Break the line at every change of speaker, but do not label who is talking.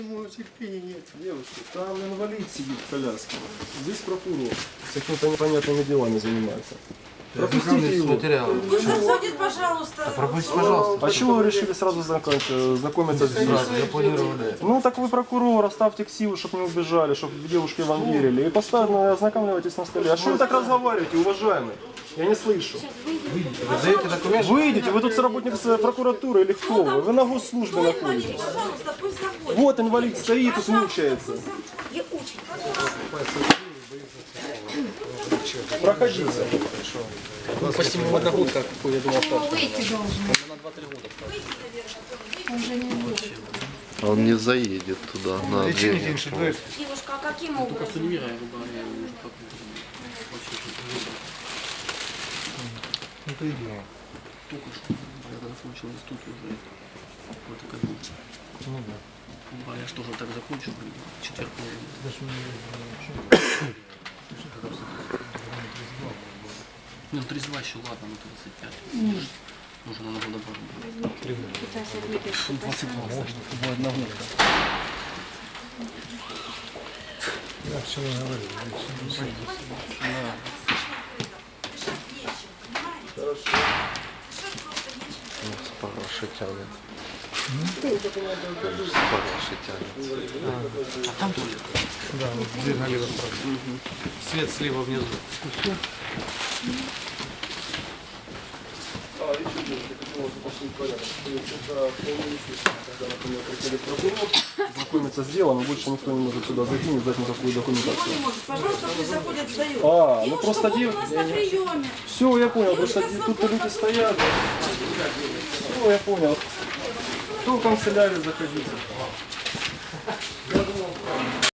Девушка, там инвалид сидит в коляске. Здесь прокурор. С какими-то непонятными делами занимается. Пропустите его.
Пусть заходит, пожалуйста.
Пропустите, пожалуйста.
А чего вы решили сразу знакомиться с детьми?
Запланировали.
Ну так вы прокурор, оставьте ксиву, чтобы не убежали, чтобы девушки вам верили. И постоянно ознакомливайтесь на столе. А что вы так разговариваете, уважаемый? Я не слышу.
Вы даете документ?
Выйдите, вы тут работник прокуратуры или кто вы? Вы на госслужбе находитесь.
Пожалуйста, пусть заходит.
Вот инвалид стоит, тут мучается.
Я очень.
Проходите.
Почти ему одногодка, какой я думал,
Ну, выйти должен.
на 2-3 года.
Он же не выйдет.
Он не заедет туда, на
Лечение
время.
дает.
Девушка, а каким образом?
Это идея.
Только что, я закончил институт уже. Вот и как бы.
Ну да.
А я что же так закончил? Четверг. Ну, 32 еще, ладно, ну 35. Можно на года добавить. 22 можно. Бывает на год.
Я все говорил.
Ну, с параши тянет. С параши тянет.
А там тоже?
Да, вот дверь налево сразу.
Свет слева внизу.
А, еще девушка, хотела уточнить порядок. То есть это вполне естественно, когда, например, приходит прокурор, знакомиться с делом, и больше никто не может сюда зайти, не сдать никакую
Никто
документацию.
не может. Пожалуйста, пусть заходит, сдает.
А, ну
Девушка,
просто
вот у нас на приеме.
Все, я понял, просто
Девушка
тут
свободна.
люди стоят. Все, я понял. Кто в канцелярию заходите?